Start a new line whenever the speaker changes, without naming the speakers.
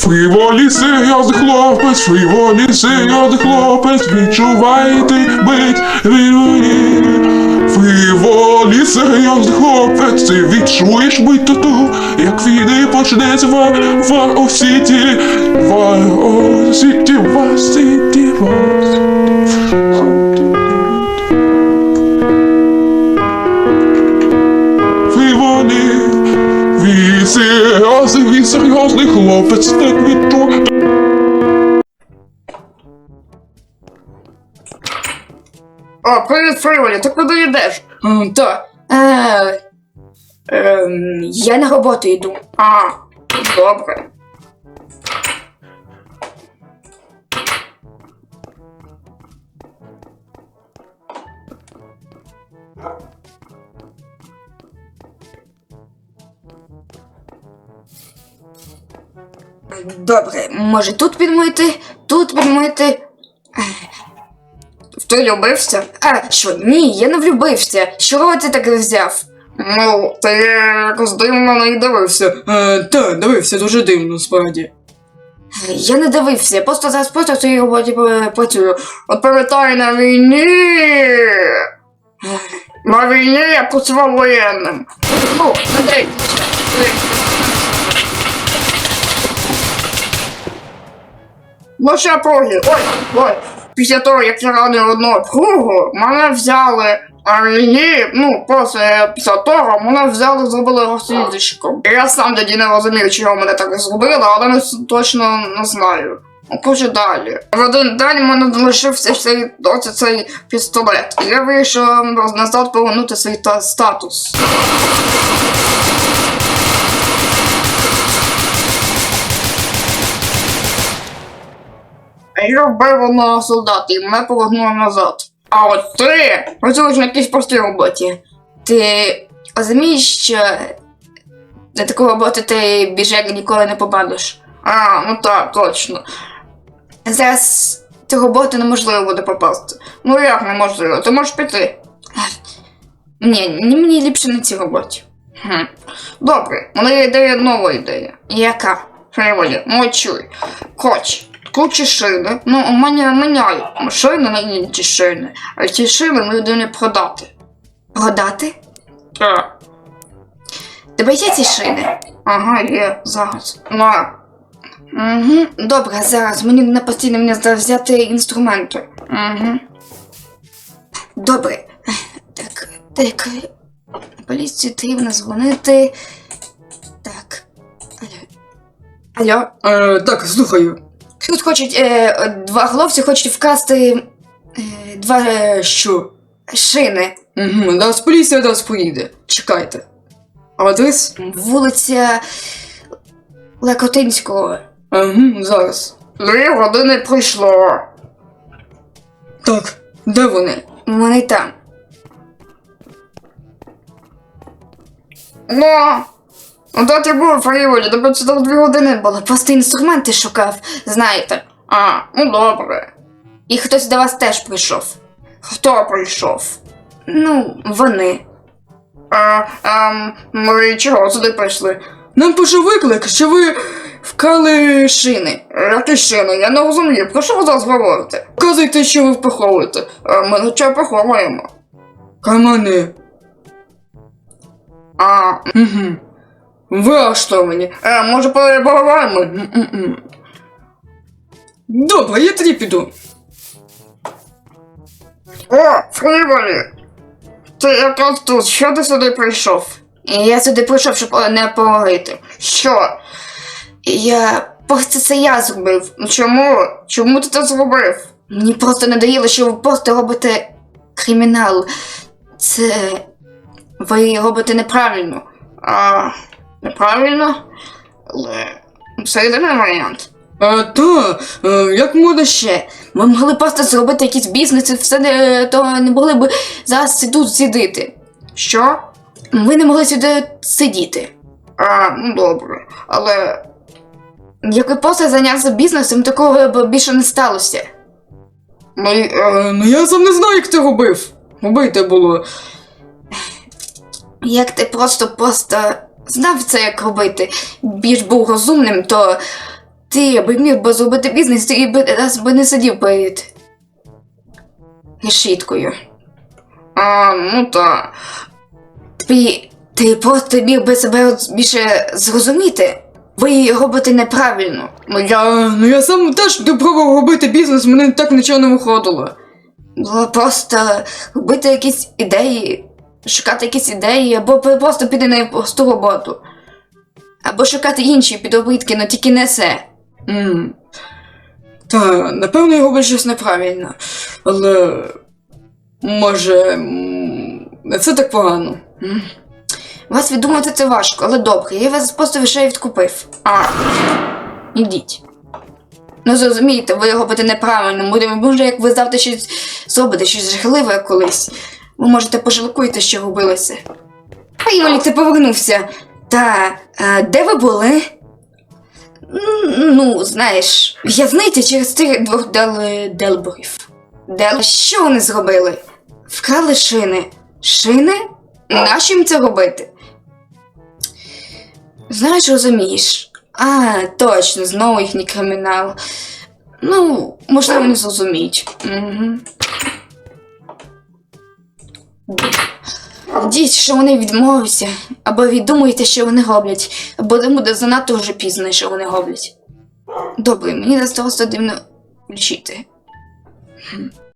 Фріволі серйозний хлопець, фріволі серйозний хлопець, відчувайте бить фріволі. Фріволі серйозний хлопець, ти відчуєш бить тату, як війни почнеться в Осіті, в Осіті, в Осіті, в Осіті. Фріволі, він серйозний хлопець, так відчує.
О, привіт, Фріволі, ти куди йдеш? Я на роботу йду. А, добре. Добре, може тут підмити, тут підмити. Ти влюбився? А, що, ні, я не влюбився. Чого ти таке взяв? Ну, ти якось дивно не дивився. Так, дивився дуже дивно, справді. Я не дивився, я просто зараз в цій роботі працюю. От пам'ятаю на війні. На війні я працював воєнним. Ну, не дивіться. Ну ще проги. Ой. Після того, як я ранив одного кругу, мене взяли на війні, ну, просто після того, мене взяли, зробили розслідчиком. Я сам тоді не розумів, чого мене так зробили, але не точно не знаю. Ну, коротше, далі. В один день мене залишився цей пістолет. І я вирішив назад повернути свій статус. Я вбив одного солдата і мене повернули назад. А от ти працюєш на якійсь простій роботі. Ти розумієш, що на таку роботу ти біжек ніколи не попадеш? А, ну так, точно. Зараз цю роботу неможливо буде попасти. Ну як неможливо? Ти можеш піти. Ні, мені ліпше на цій роботі. Добре, у мене є нова ідея. Яка? Фріволі, ну чуй. Хоч. Кучі шини. Ну, у мене міняють шини на інші шини. А ці шини ми людині продати. Продати? Так. Тебе є ці шини? Ага, є. Зараз. На. Угу. Добре, зараз. Мені постійно взяти інструменти. Угу. Добре. Так. Поліцію потрібно дзвонити. Так. Алло? Так, слухаю. Тут хочуть, два хлопці хочуть вкрасти що? Шини. Угу, зараз поліція до вас поїде. Чекайте. Адрес? Вулиця Лекотинського. Угу, зараз. 2 години пройшло. Так, де вони? Вони там. Ну, де ти був, Фріволі? Тебе це 2 години було. Просто інструменти шукав, знаєте. А, ну добре. І хтось до вас теж прийшов. Хто прийшов? Ну, вони. Ми чого сюди прийшли? Нам пише виклик, що ви вкрали шини. Які шини? Я не розумію. Про що ви зараз говорите? Вказуйте, що ви приховуєте. Ми нічого приховуємо. Камани. Угу. Ви арештовані. Може поговоримо? Добре, я тоді піду. О, Фріволі! Ти якраз тут, що ти сюди прийшов? Я сюди прийшов, щоб не поговорити. Що? Це я зробив. Чому? Чому ти це зробив? Мені просто надоїло, що ви просто робите кримінал. Ви робите неправильно. Неправильно? Але це єдиний варіант. Як можна ще? Ми могли просто зробити якийсь бізнес і все, то не могли б зараз тут сидіти. Що? Ми не могли сюди сидіти. Ну добре, але... Як ви просто зайнявся бізнесом, такого б більше не сталося. Ну я сам не знаю, як ти робив. Робити було. Як ти просто знав це, як робити, більш був розумним, то Ти би міг би зробити бізнес, ти би раз би не сидів перед решіткою. Ну та. Ти просто міг би себе більше зрозуміти. Ви робите неправильно. Я сам теж пробував робити бізнес, мене так нічого не виходило. Було просто робити якісь ідеї, шукати якісь ідеї, або просто піти на просту роботу. Або шукати інші підробітки, але тільки не це. Та, напевно, я роблю щось неправильно. Але може, не все так погано. Вас віддумати це важко, але добре, я вас просто вже відкупив. Ідіть. Ну зрозумієте, ви робите неправильно, може як ви завтра щось зробите, щось жахливе колись. Ви можете пожалкуєте, що робилося. Йолік, ти повернувся. Де ви були? Ну, знаєш, знаєте, через тих двох Делборів. Що вони зробили? Вкрали шини. Шини? Нащо їм це робити? Знаєш, розумієш. Точно, знову їхній кримінал. Ну, можливо, не зрозуміють. Діть, що вони відмовляться, або віддумуєте, що вони роблять, або буде занадто вже пізно, що вони роблять. Добре, мені зараз просто дивно включити.